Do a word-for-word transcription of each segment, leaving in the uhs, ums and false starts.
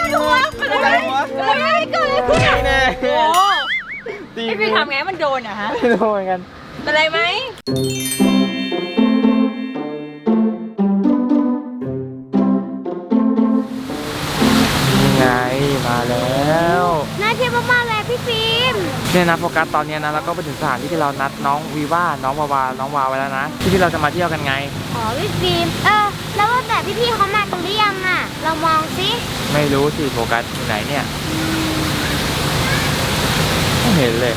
ดูวะเป็นอะไรเป็นอะไรเกิดอะไรขึ้นอ่ะโอ้พี่พี่ทำไงมันโดนอ่ะฮะไม่โดนกันเป็นไรไหมไงมาแล้วน่าเที่ยวมากๆเลยพี่ฟิล์มเนี่ยนะโฟกัสตอนนี้นะเราก็ไปถึงสถานที่ที่เรานัดน้องวีว่าน้องวาวาน้องวาไว้แล้วนะที่ที่เราจะมาเที่ยวกันไงอ๋อพี่ฟิล์มเออแล้วว่าแต่พี่ๆเขามากันหรือยังอ่ะเรามองสิไม่รู้สิโฟกัสอยู่ไหนเนี่ยไม่เห็นเลย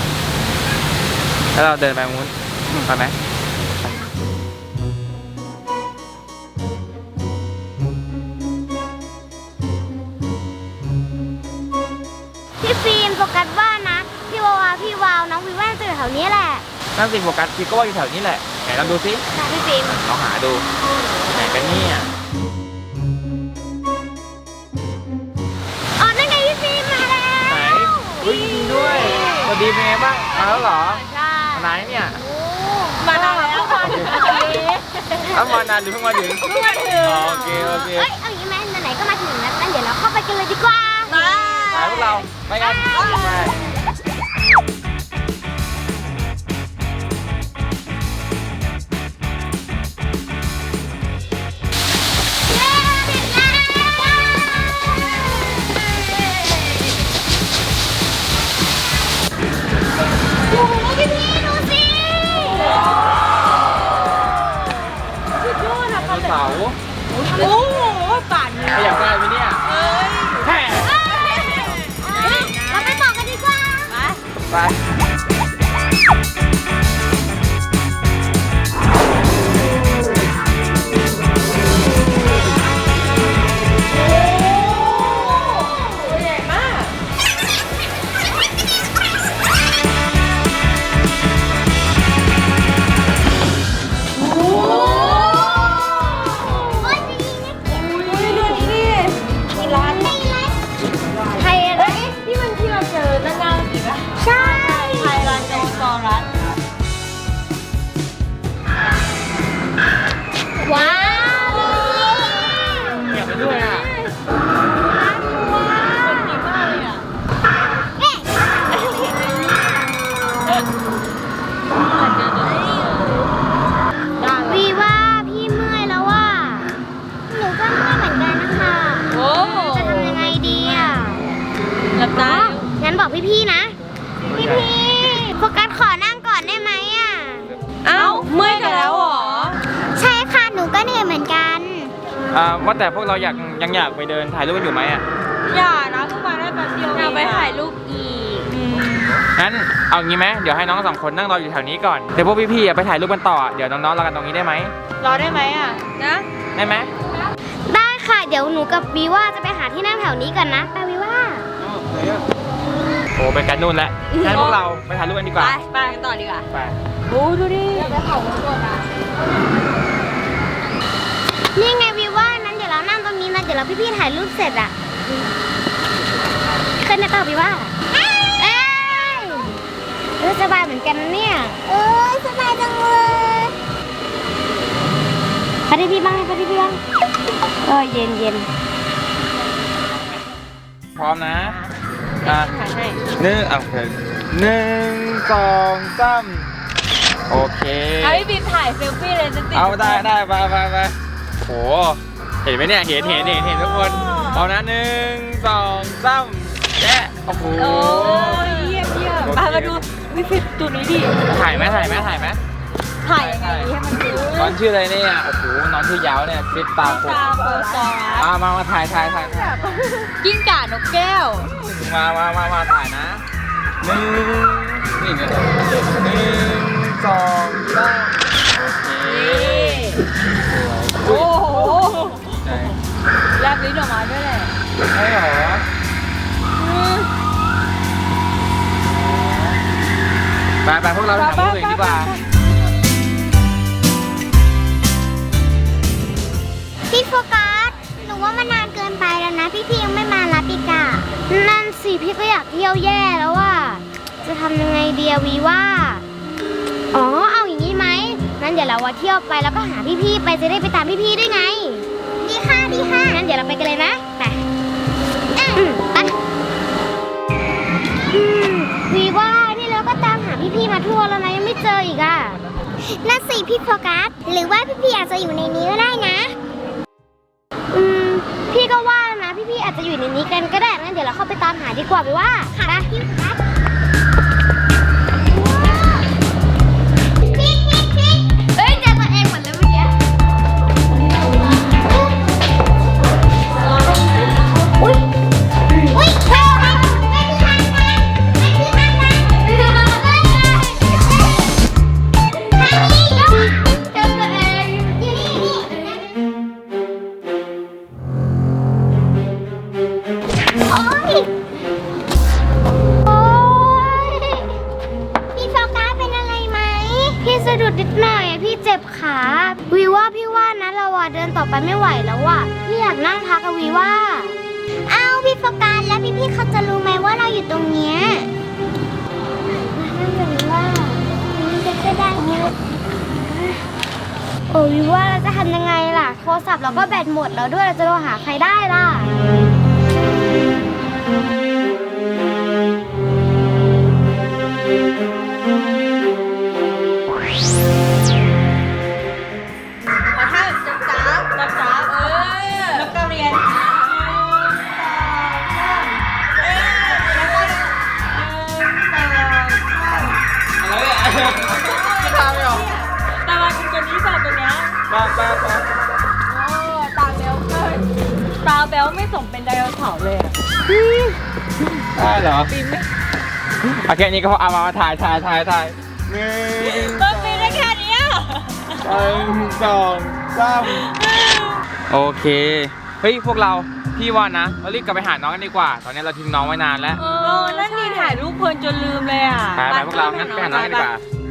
แล้วเราเดินไปมุ้นไปไหมพี่ฟิล์มโฟกัสว่านะพี่วาวาพี่วาวน้องวิว่าจะอยู่แถวนี้แหละนั่นสิโฟกัสพี่ก็ว่าอยู่แถวนี้แหละไหนลองดูสิพี่ฟิล์มลองหาดูไหนกันเนี่ยอ๋อนั่นไงพี่ฟิล์มมาแล้วไหนวิ่งด้วยสวัสดีเป็นไงบ้างมาแล้วเหรอใช่ไหนเนี่ยมานานแล้วค่ะเอามานานหรือเพิ่งมาถึงเพิ่งมาถึงโอเคโอเคเอ้ยเอาอย่างนี้ไหมไหนๆก็มาถึงแล้วงั้นเดี๋ยวเราเข้าไปกันเลยดีกว่ามาไปพวกเราไปกันไปเสาโอ้โหป่านนี้ขยับได้ไหมเนี่ยเอ้ยแฮ่เราไปบอกกันดีกว่าไปไปใหญ่มากว้าวเงียบไปด้วยอ่ะวีว่าพี่เมื่อยแล้วว่ะหนูก็เมื่อยเหมือนกันนะคะโอ้จะทำยังไงดีอ่ะหลับตางั้นบอกพี่ๆนะพี่ๆโฟกัสขอนั่งก่อนได้ไหมอ่ะเอ้าเมื่อยกันแล้วเหรอใช่ค่ะหนูก็เหนื่อยเหมือนกันอ่าว่าแต่พวกเราอยากยังอยากไปเดินถ่ายรูปกันอยู่ไหมอ่ะอย่านะเพิ่งมาได้แป๊บเดียวอยากไปถ่ายรูปอีกงั้นเอางี้ไหมเดี๋ยวให้น้องสองคนนั่งรออยู่แถวนี้ก่อนเดี๋ยวพวกพี่ๆไปถ่ายรูปกันต่อเดี๋ยวน้องๆรอกันตรงนี้ได้ไหมรอได้ไหมอ่ะนะได้ไหมได้ค่ะเดี๋ยวหนูกับวีว่าจะไปหาที่นั่งแถวนี้กันนะไปวีว่าโอ้ไปกันนู่นแล้วงั้นพวกเราไปถ่ายรูปกันดีกว่าไปไปกันต่อดีกว่าไปโอ้ดูดิอยากไปเขาตัวนะนี่ไงวีว่านั้นเดี๋ยวเรานั่งตรงนี้นะเดี๋ยวเราพี่ๆถ่ายรูปเสร็จอ่ะขึ้นได้ป่ะวีว่าเอ้ยเออสบายเหมือนกันนะเนี่ยเอ้ยสบายจังเลยพอดีพี่บ้างพอดีพี่บ้างเออเย็นเย็นพร้อมนะอ่ะถ่ายให้หนึ่งเอาเถอะหนึ่งสองสามโอเคเอาพี่บีมถ่ายเซลฟี่เลยจะติดเอาได้ได้ไปไปไปโหเห็นไหมเนี่ยเห็นเห็นเห็นเห็นทุกคนเอานะหนึ่งสองสามแจ๊ะโอ้โหโอ้ยเยี่ยมเยี่ยมมามาดูวิฟิตตัวนี้ดิถ่ายไหมถ่ายไหมถ่ายไหมถ่ายยังไงให้มันดูน้องชื่ออะไรเนี่ยโอ้โหน้องชื่อยาวเนี่ยฟิตตาโฟกัสมามามาถ่ายถ่ายถ่ายกิ้งก่านกแก้วมามามามาถ่ายนะหนึ่งนี่เนี่ยหนึ่งสองสามโอเคโอ้โหแลบลิ้นออกมาด้วยแหละใช่เหรอไปไปพวกเราทำตัวเองดีกว่าพี่โฟกัสหนูว่ามันนานเกินไปแล้วนะพี่ๆยังไม่มารับอีกอะนั่นสิพี่ก็อยากเที่ยวแย่แล้วว่าจะทำยังไงเดียวีว่าอ๋อเอาอย่างนี้ไหมงั้นเดี๋ยวเราเที่ยวไปแล้วก็หาพี่ๆไปจะได้ไปตามพี่ๆด้วยไงดีค่ะดีค่ะงั้นเดี๋ยวเราไปกันเลยนะไปน่าสิพี่โฟกัสหรือว่าพี่พี่อาจจะอยู่ในนี้ก็ได้นะอืมพี่ก็ว่านะพี่พี่อาจจะอยู่ในนี้กันก็ได้งั้นเดี๋ยวเราเข้าไปตามหาดีกว่าไปว่าค่ะพี่โฟกัสพี่พี่พี่เอ้ยเจอตัวเองเหมือนเลยเมื่อกี้อุ้ยอุ้ยเธอไม่มีทางกันไม่มีทางกันเฮ้ยทางนี้เจอตัวเองอยู่นี่นี่โอ๊ยโอ๊ยพี่โฟกัสเป็นอะไรไหมพี่สะดุดนิดหน่อยอะพี่เจ็บขาวีว่าพี่ว่านะเราอะเดินต่อไปไม่ไหวแล้วอะพี่อยากนั่งพักกับวีว่าอ้าวพี่โฟกัสแล้วพี่พี่เขาจะรู้ไหมว่าเราอยู่ตรงเนี้ยนั่นเป็นว่านี่จะก็ได้เยอะโอ้วิว่าเราจะทำยังไงล่ะโทรศัพท์เราก็แบตหมดแล้วด้วยเราจะโทรหาใครได้ล่ะถ้าจับจ้าจับจ้าเออแล้วก็เรียนไม่ทำไม่หรอตาเป็นตัวนี้สอบตัวเนี้ยมาไปไปโอ้ตาเบลเกินตาเบลไม่สมเป็นไดโนเสาร์เลยอ่ะได้เหรอปีนไม่โอเคนี่ก็เอามาถ่ายถ่ายถ่ายถ่ายหนึ่งมันปีนได้แค่นี้อ่ะหนึ่งสองสามโอเคเฮ้ยพวกเราพี่ว่านะเรารีบกลับไปหาน้องกันดีกว่าตอนนี้เราทิ้งน้องไว้นานแล้วเออนั่นนี่ถ่ายรูปเพลินจนลืมเลยอ่ะไปไปพวกเรางั้นไปหาน้องกันดีกว่า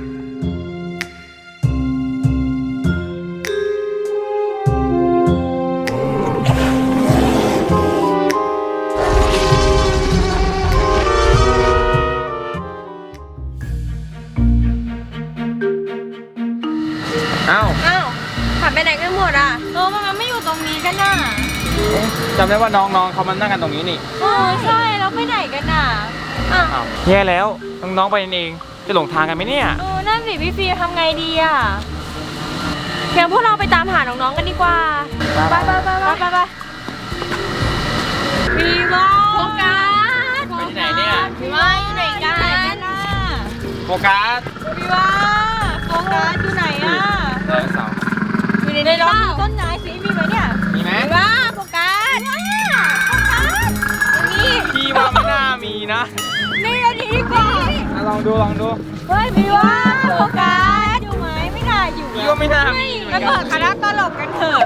เอ้าอ้าวถ่ายไปไหนกันหมดอ่ะเออมันไม่อยู่ตรงนี้กันน่ะจำได้ว่าน้องๆเขามานั่งกันตรงนี้นี่โอ้ใช่แล้วไปไหนกันน่ะอ่ะอ้าวแย่แล้วน้องๆไปเองจะหลงทางกันไหมเนี่ยเออนั่นสิพี่ฟีทำไงดีอ่ะเพียงพวกเราไปตามหาน้องๆกันดีกว่าไปไปไปไปไปไปพี่ว่าโฟกัสไปที่ไหนเนี่ยพี่ว่าอยู่ไหนกันน่ะโฟกัสพี่ว่าโฟกัสอยู่ไหนอ่ะเออเสาอยู่ในในต้นต้นไม้สิมีไหมเนี่ยมีไหมพี่ว่าโฟกัสโฟกัสนี่พี่ว่าไม่น่ามีนะนี่อันนี้ดีกว่าอ่ะลองดูลองดูเฮ้ยพี่ว่าโฟกัสอยู่ไหมไม่น่าอยู่พี่ว่าไม่น่ามีเหมืมาอนกัเปินดคณะตลกกันเถอะ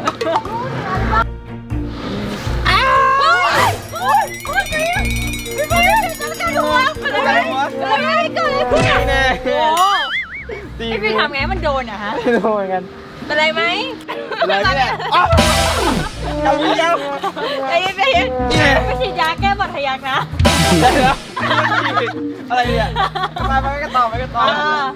อ้าวโอ้ยโอ้ยโอ้ยพี่พี่จะกระโดดอะไรอะไรเกิดอะไรขึ้นอ่ะแน่โอ้ตีพี่พี่ทำไงมันโดนอะฮะไม่โดนกันเป็นไรไหมอะไรเนี่ยอ๋อเอาอีกแล้วใจเย็นใจเย็นไม่ฉีดยาแก้บาดทะยักนะได้แล้วอะไรเนี่ยไปไปกันต่อไปกันต่อ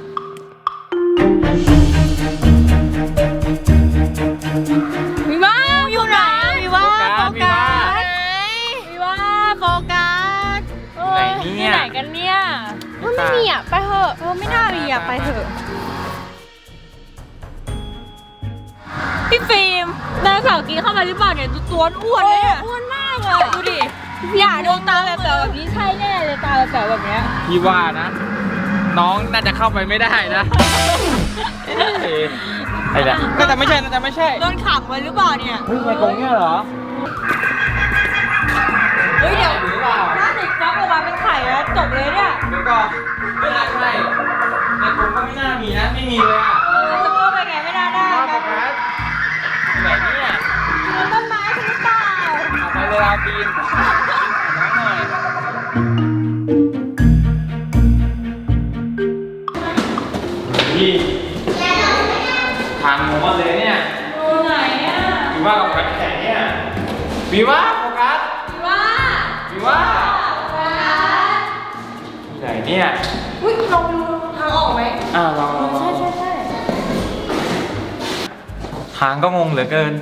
พี่ว่าอยู่ไหนพี่ว่าโฟกัสไหนพี่ว่าโฟกัสไหนเนี่ยไหนกันเนี่ยมันไม่มีอ่ะไปเถอะเออไม่น่ามีอ่ะไปเถอะพี่ฟิล์มไดโนเสาร์กินเข้ามาหรือเปล่าเนี่ยดูตัวอ้วนเลยอ่ะอ้วนมากเลยดูดิอย่าดวงตาแบบแบบนี้ใช่แน่เลยตาแบบแบบเนี้ยพี่ว่านะ น้องน่าจะเข้าไปไม่ได้นะไอ้เนี่ยน่าจะไม่ใช่น่าจะไม่ใช่โดนขังไว้หรือเปล่าเนี่ยเฮ้ยในกรงเนี่ยเหรอเฮ้ยเดี๋ยวหรือเปล่าถ้าเด็กฟักออกมาเป็นไข่แล้วจบเลยเนี่ยเดี๋ยวก่อนไม่น่าใช่ในกรงก็ไม่น่ามีนะไม่มีเลยอ่ะเออจะเข้าไปไงไม่น่าได้มาโฟกันกัสไหนเนี่ยมันต้นไม้ใช่หรือเปล่าเอาไปเลยเอาปีนน้องหน่อยพี่ทางงงเลยเนี่ยดูไหนอ่ะวีว่ากับโฟกัสแข่งเนี่ยวีว่าโฟกัสพี่ว่าวีว่าไหนเนี่ยอุ้ยลองดูทางออกไหมอ่าลองลองลองใช่ใช่ใช่ทางก็งงเหลือเกิน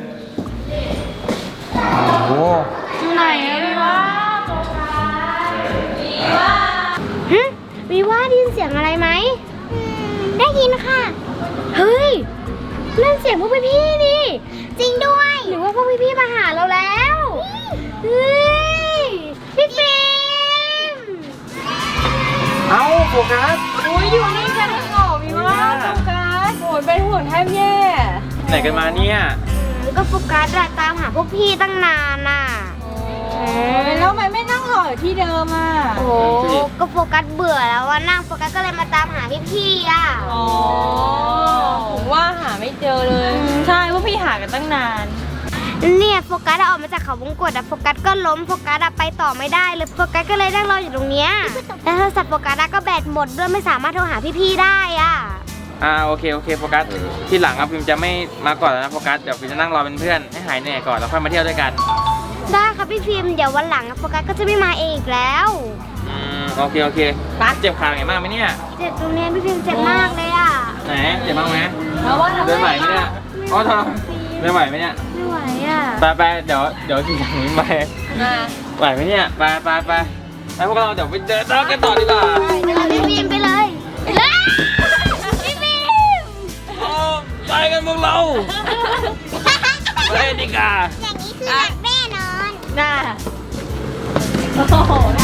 โอ้โหอยู่ไหนอะพี่ว่าโฟกัสพี่ว่าฮะวีว่าได้ยินเสียงอะไรไหมอืมได้ยินค่ะไเฮ้ยนั่นเสียงพวกพี่ๆนี่ จริงด้วย หรือว่าพวกพี่ๆมาหาเราแล้ว เฮ้ย พี่ฟิล์มเอ้าโฟกัสอุ้ยอยู่นี่กันทั้งหอมีว่าโฟกัสโอยเป็นห่วงแทบแย่ไหนกันมาเนี่ยก็โฟกัสอะตามหาพวกพี่ตั้งนานน่ะแล้วทำไมไม่นั่งรออยู่ที่เดิมอ่ะโอ้โหก็โฟกัสเบื่อแล้วว่านั่งโฟกัสก็เลยมาตามหาพี่ๆอ่ะอ๋อผมว่าหาไม่เจอเลย ใช่พวกพี่หากันตั้งนานเนี่ยโฟกัสอะออกมาจากเขาวงกตอะโฟกัสก็ล้มโฟกัสอะไปต่อไม่ได้เลยโฟกัสก็เลยนั่งรออยู่ตรงเนี้ยแล้วโทรศัพท์โฟกัสอะก็แบตหมดด้วยไม่สามารถโทรหาพี่ๆได้อ่ะอ่าโอเคโอเคโฟกัสที่หลังอะพิมจะไม่มาก่อนแล้วนะโฟกัสเดี๋ยวพิมจะนั่งรอเป็นเพื่อนให้หายเหนื่อยก่อนแล้วค่อยมาเที่ยวด้วยกันได้ครับพี่พิมพ์เดี๋ยววันหลังอะโฟกัสก็จะไม่มาเองอีกแล้วอืมโอเคโอเคป้าเจ็บขาไงมากไหมเนี่ยเจ็บตรงเนี้ยพี่พิมพ์เจ็บมากเลยอ่ะไหนเจ็บมากไหมแล้วว่าทำเดินไหวไหมเนี่ยอ๋อทำเดินไหวไหมเนี่ยไม่ไหวอ่ะไปไปเดี๋ยวเดี๋ยวขี่หลังนี้ไปมาไหวไหมเนี่ยไปไปไปไปพวกเราเดี๋ยวไปเจอเจอกันต่อดีกว่าเดี๋ยวพี่พิมพ์ไปเลยไปเลยพี่พิมพ์โอ้ไปกันพวกเราไปดีกว่าอย่างนี้คือหนักแน่นอนน่าโอ้โห